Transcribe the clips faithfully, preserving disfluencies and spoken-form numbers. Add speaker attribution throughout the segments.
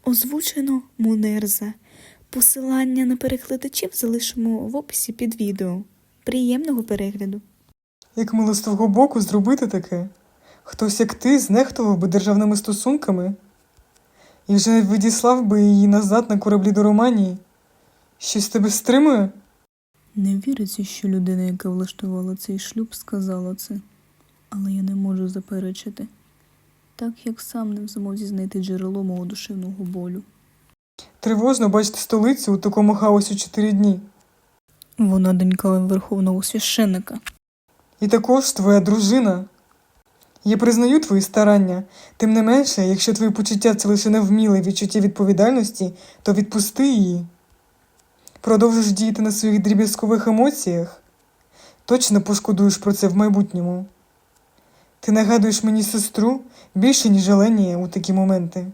Speaker 1: Озвучено Мунерза. Посилання на перекладачів залишимо в описі під відео. Приємного перегляду.
Speaker 2: Як мило з твого боку зробити таке? Хтось, як ти, знехтував би державними стосунками? І вже не відіслав би її назад на кораблі до Романії? Щось тебе стримує?
Speaker 3: Не віриться, що людина, яка влаштувала цей шлюб, сказала це. Але я не можу заперечити. Так, як сам не в змозі знайти джерело мого душевного болю.
Speaker 2: Тривожно бачити столицю у такому хаосі чотири дні.
Speaker 3: Вона донька верховного священника.
Speaker 2: І також твоя дружина. Я признаю твої старання. Тим не менше, якщо твої почуття – це лише невміле відчуття відповідальності, то відпусти її. Продовжиш діяти на своїх дріб'язкових емоціях? Точно пошкодуєш про це в майбутньому. Ти нагадуєш мені сестру більше, ніж Еленія у такі моменти.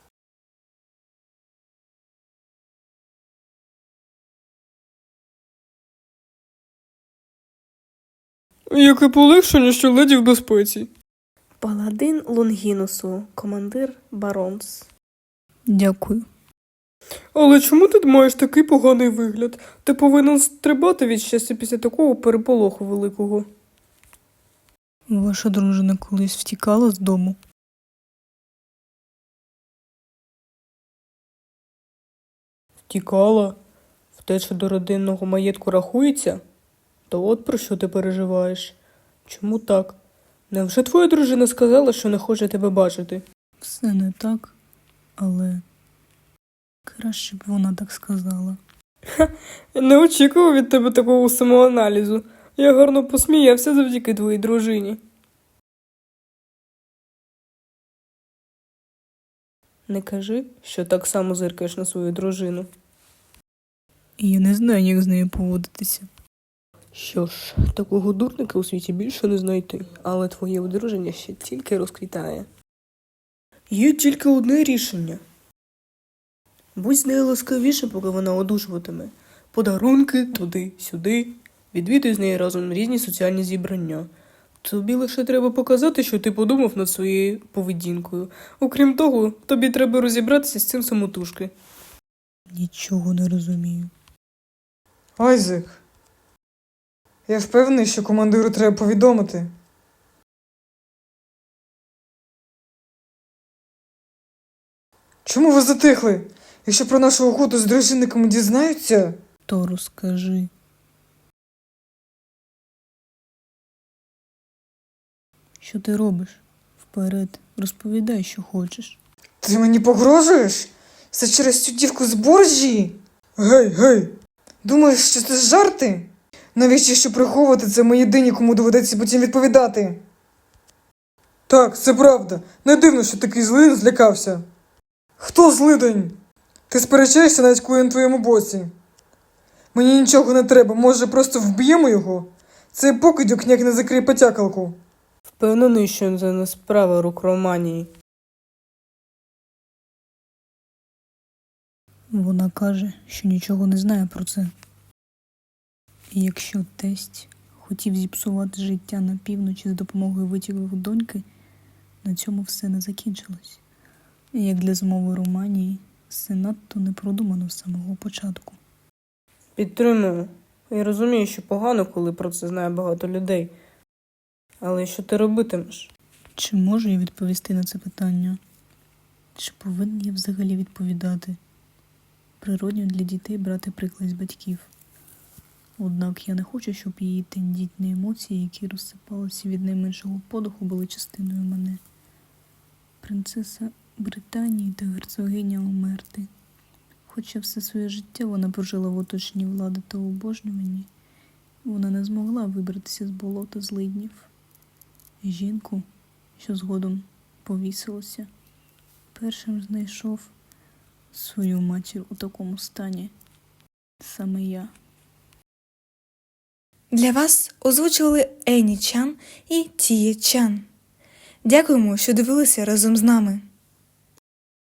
Speaker 4: Яке полегшення, що леді в безпеці.
Speaker 5: Паладин Лонгінусу, командир Баронс.
Speaker 3: Дякую.
Speaker 4: Але чому ти маєш такий поганий вигляд? Ти повинен стрибати від щастя після такого переполоху великого.
Speaker 3: Ваша дружина колись втікала з дому?
Speaker 4: Втікала? Втеча до родинного маєтку рахується? То от про що ти переживаєш? Чому так? Невже твоя дружина сказала, що не хоче тебе бачити?
Speaker 3: Все не так, але краще б вона так сказала.
Speaker 4: Не очікував від тебе такого самоаналізу. Я гарно посміявся завдяки твоїй дружині. Не кажи, що так само зиркаєш на свою дружину.
Speaker 3: І я не знаю, як з нею поводитися.
Speaker 4: Що ж, такого дурника у світі більше не знайти, але твоє одруження ще тільки розквітає. Є тільки одне рішення. Будь з нею ласкавіше, поки вона одужуватиме. Подарунки туди-сюди. Відвідуй з нею разом різні соціальні зібрання. Тобі лише треба показати, що ти подумав над своєю поведінкою. Окрім того, тобі треба розібратися з цим самотужки.
Speaker 3: Нічого не розумію.
Speaker 2: Айзек, я впевнений, що командиру треба повідомити. Чому ви затихли? Якщо про нашу охоту з дружинниками дізнаються...
Speaker 3: То розкажи. Що ти робиш? Вперед, розповідай, що хочеш.
Speaker 2: Ти мені погрожуєш? Все через цю дівку з Борджії? Гей, гей! Думаєш, що це жарти? Навіщо що приховувати це ми єдині, кому доведеться потім відповідати? Так, це правда. Не дивно, що такий злидень злякався. Хто злидень? Ти сперечаєшся, навіть коли я на твоєму боці. Мені нічого не треба, може просто вб'ємо його? Цей покидьок ніяк не закриє потякалку.
Speaker 4: Впевнений, що це не справа рук Романії.
Speaker 3: Вона каже, що нічого не знає про це. І якщо тесть хотів зіпсувати життя на півночі з допомогою витівок доньки, на цьому все не закінчилось. І як для змови Романії, все надто не продумано з самого початку.
Speaker 4: Підтримую. Я розумію, що погано, коли про це знає багато людей. Але що ти робитимеш?
Speaker 3: Чи можу я відповісти на це питання? Чи повинен я взагалі відповідати? Природньо для дітей брати приклад з батьків. Однак я не хочу, щоб її тендітні емоції, які розсипалися від найменшого подиху, були частиною мене. Принцеса Британії та герцогиня Омерти. Хоча все своє життя вона прожила в оточенні влади та обожнюванні, вона не змогла вибратися з болота злиднів. Жінку, що згодом повісилася, першим знайшов свою матір у такому стані. Саме я.
Speaker 1: Для вас озвучували Ені Чан і Тіє Чан. Дякуємо, що дивилися разом з нами.